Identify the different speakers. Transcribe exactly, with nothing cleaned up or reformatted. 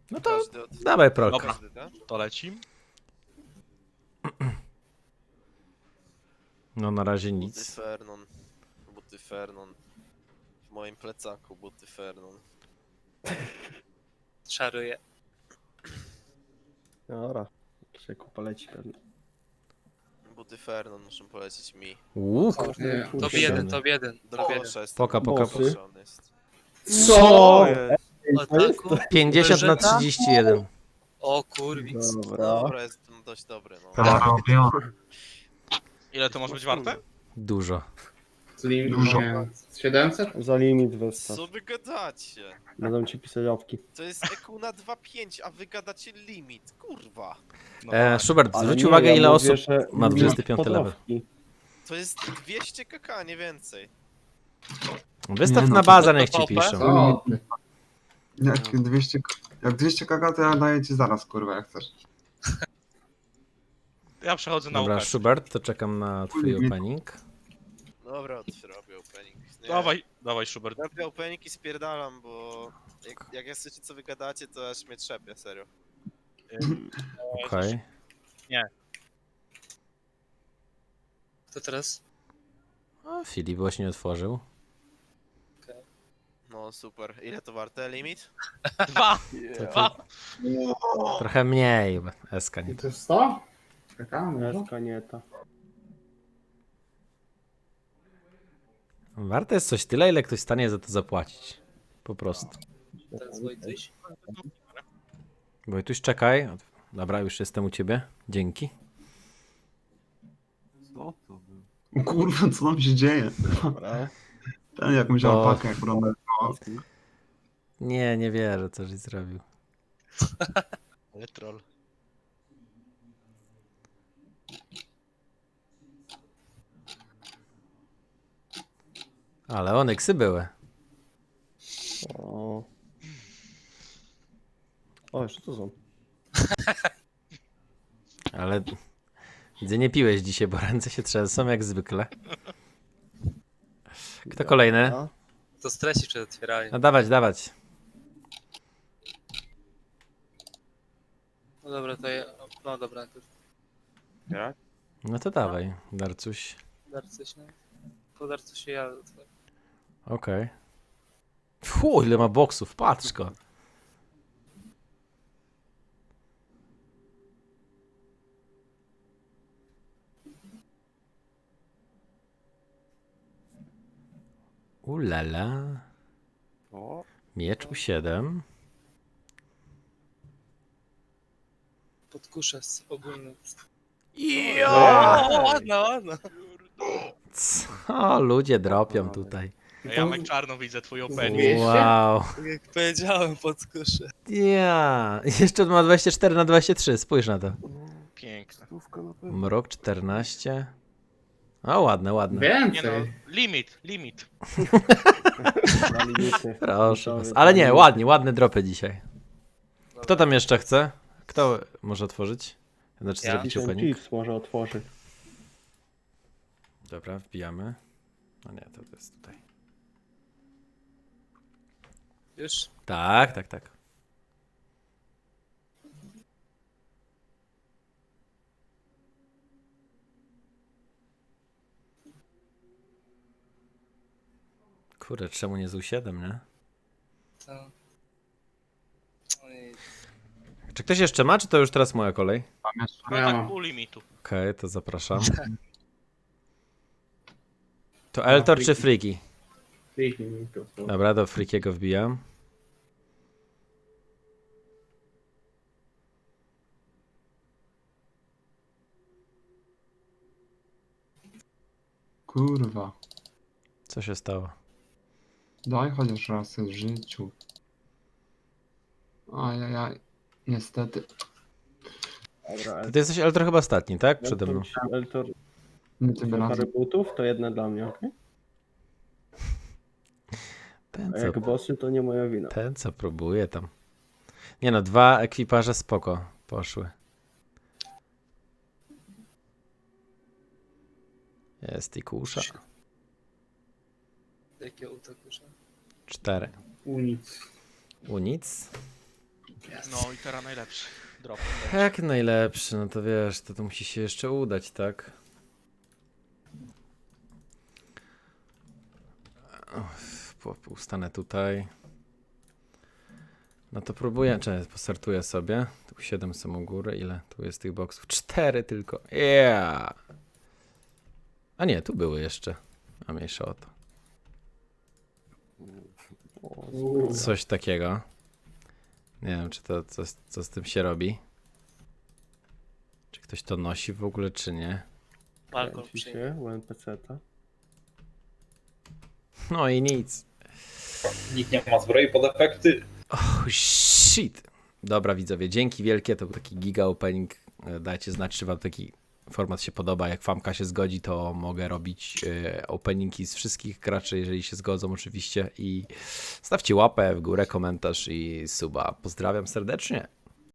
Speaker 1: No to
Speaker 2: Każdy od...
Speaker 1: dawaj prolka.
Speaker 3: Dobra.
Speaker 2: Każdy, tak?
Speaker 3: To leci.
Speaker 1: No na razie
Speaker 2: Buty
Speaker 1: nic.
Speaker 2: Fernon. Buty Fernon. W moim plecaku buty Fernon.
Speaker 4: Czaruję.
Speaker 5: Dobra, Krzyku poleci pewnie.
Speaker 2: Buty Fernon muszą polecieć mi.
Speaker 1: Łuk.
Speaker 4: Top
Speaker 5: Kurczę.
Speaker 4: jeden, top jeden.
Speaker 2: Do
Speaker 4: Top jeden.
Speaker 2: kosza jest.
Speaker 1: Poka, poka,
Speaker 5: Bossy.
Speaker 2: Jest.
Speaker 1: Co?
Speaker 4: Ataku.
Speaker 1: pięćdziesiąt na
Speaker 4: Wyżeta?
Speaker 1: trzydzieści jeden.
Speaker 4: O kurwic.
Speaker 5: Dobra.
Speaker 2: Dobra, jest no, dość dobry, no.
Speaker 6: To robią.
Speaker 3: Ile to może być warte?
Speaker 1: Dużo.
Speaker 7: Z limit
Speaker 6: Dużo.
Speaker 7: nie, z siedemset?
Speaker 5: Za limit wystaw.
Speaker 2: Co wy gadacie?
Speaker 5: Będą ci pisać opki.
Speaker 2: To jest E Q na dwa pięć, a wy gadacie limit, kurwa.
Speaker 3: No
Speaker 1: E,
Speaker 3: tak.
Speaker 1: Schubert,
Speaker 5: Ale
Speaker 1: zwróć
Speaker 5: nie,
Speaker 1: uwagę
Speaker 5: ja
Speaker 1: ile
Speaker 5: mówię,
Speaker 1: osób
Speaker 5: że
Speaker 1: ma
Speaker 5: limit
Speaker 1: dwudziesty piąty level.
Speaker 5: podrobki.
Speaker 2: To jest dwieście kk, nie więcej.
Speaker 1: Wystaw
Speaker 6: Nie, no
Speaker 1: na
Speaker 6: to-
Speaker 1: bazę, niech ci
Speaker 4: to topę?
Speaker 1: piszą.
Speaker 7: Co? ty?
Speaker 6: Jak dwieście, jak dwieście kaka, to ja daję ci zaraz, kurwa, jak chcesz.
Speaker 3: Ja przechodzę na
Speaker 1: Dobra,
Speaker 3: Łukasz.
Speaker 1: Schubert, to czekam na twój opening.
Speaker 2: Dobra, robię opening. Nie,
Speaker 3: Dawaj, dawaj Schubert.
Speaker 2: robię opening i spierdalam, bo jak, jak ja słyszycie co wy gadacie, to aż mnie trzepie, serio.
Speaker 1: Okej.
Speaker 4: To teraz?
Speaker 1: O, Filip właśnie otworzył.
Speaker 2: No super. Ile to warte? Limit?
Speaker 3: Dwa!
Speaker 1: To,
Speaker 3: Dwa!
Speaker 1: to, trochę mniej. S K nie.
Speaker 7: To jest sto? Czekamy. no.
Speaker 5: Eska nie ta.
Speaker 1: Warte jest coś tyle, ile ktoś stanie za to zapłacić. Po prostu.
Speaker 4: Teraz Wojtyś.
Speaker 1: Wojtuś, czekaj. Dobra, już jestem u ciebie. Dzięki.
Speaker 6: Co to było? Kurwa, co tam się dzieje?
Speaker 5: Dobra.
Speaker 6: Ten jakąś
Speaker 1: Bo-
Speaker 6: alpakę, jak ronę.
Speaker 1: Nie, nie wierzę, co żeś zrobił.
Speaker 3: Ale troll.
Speaker 1: Ale onyksy były.
Speaker 5: O. O, jeszcze tu są.
Speaker 1: Ale widzę, nie piłeś dzisiaj, bo ręce się trzęsą jak zwykle. Kto kolejny?
Speaker 5: Dobra.
Speaker 4: To stresi przed otwieraniem.
Speaker 1: No dawać, dawać.
Speaker 4: No dobra, to ja... No dobra, to
Speaker 1: No to dawaj, Darcuś.
Speaker 4: darcy się... Po darcu się ja otworzę.
Speaker 1: Okej. Fu, ile ma boksów, patrz go. Ulala.
Speaker 5: O.
Speaker 1: Miecz u siedem.
Speaker 4: Podkuszę z ogólny.
Speaker 1: Ja!
Speaker 4: O, ładna, ładna.
Speaker 1: Co ludzie dropią tutaj.
Speaker 3: Jamek Czarno widzę twój opening.
Speaker 7: Dwieście?
Speaker 1: Wow.
Speaker 4: Tak jak powiedziałem, podkuszę.
Speaker 1: Ja. Jeszcze ma dwadzieścia cztery na dwadzieścia trzy, spójrz na to.
Speaker 3: Piękne.
Speaker 5: Stówka na pewno.
Speaker 1: Mrok czternaście. O, ładne, ładne.
Speaker 3: Nie no,
Speaker 7: Więcej.
Speaker 3: limit, limit.
Speaker 5: Na limity.
Speaker 1: Proszę was.
Speaker 5: Limitowy,
Speaker 1: Ale nie,
Speaker 5: limit.
Speaker 1: ładnie, ładne dropy dzisiaj. Kto tam jeszcze chce? Kto może otworzyć? Znaczy
Speaker 4: Ja.
Speaker 1: zrobić
Speaker 5: Ten
Speaker 1: opening?
Speaker 5: Chiefs może otworzyć.
Speaker 1: Dobra, wbijamy. No nie, to, to jest tutaj.
Speaker 4: Już?
Speaker 1: Tak, tak, tak. Kurde, czemu nie z U siedem, nie?
Speaker 4: To... Ojej.
Speaker 1: Czy ktoś jeszcze ma, czy to już teraz moja kolej?
Speaker 6: Mam jeszcze.
Speaker 3: No
Speaker 7: Ja
Speaker 3: tak
Speaker 7: mam.
Speaker 3: pół limitu.
Speaker 1: Okej, to zapraszam. To Eltor czy Freaky?
Speaker 7: Kliknij mi to. to.
Speaker 1: Dobra, do Freakiego wbijam.
Speaker 6: Kurwa.
Speaker 1: Co się stało?
Speaker 6: Daj chociaż raz w życiu. Ajajaj. Niestety.
Speaker 5: Dobra,
Speaker 1: Ty jesteś Eltor chyba ostatni, tak? Przede mną.
Speaker 5: Eltor, Eltor
Speaker 6: Nie tym
Speaker 5: parę
Speaker 6: razem.
Speaker 5: butów, to jedna dla mnie, okej?
Speaker 1: Ten
Speaker 5: A
Speaker 1: co,
Speaker 5: jak bossy, to nie moja wina.
Speaker 1: ten co próbuje tam. Nie no, dwa ekwiparze spoko poszły. Jest i kusza.
Speaker 4: Jakie utakusza?
Speaker 1: Cztery.
Speaker 7: U nic.
Speaker 1: U nic.
Speaker 3: No i teraz najlepszy. Drop.
Speaker 1: Jak najlepszy, no to wiesz, to, to musi się jeszcze udać, tak? Uff, po- Ustanę tutaj. No to próbuję, czy postartuję sobie. Tu siedem są u góry, ile tu jest tych boksów? cztery tylko. Yeah! A nie, tu były jeszcze. A mniejsza o to. Coś takiego. Nie wiem, czy to co, co z tym się robi. Czy ktoś to nosi w ogóle, czy nie?
Speaker 4: Balkon
Speaker 5: Kręci
Speaker 4: przyjmie.
Speaker 5: się u N P C-ta.
Speaker 1: No i nic.
Speaker 8: Nikt nie ma zbroi pod efekty.
Speaker 1: Oh shit. Dobra widzowie, dzięki wielkie, to był taki giga opening. E, Dajcie znać, czy wam taki format się podoba. Jak Famka się zgodzi, to mogę robić e, openingi z wszystkich graczy, jeżeli się zgodzą oczywiście. I stawcie łapę w górę, komentarz i suba. Pozdrawiam serdecznie.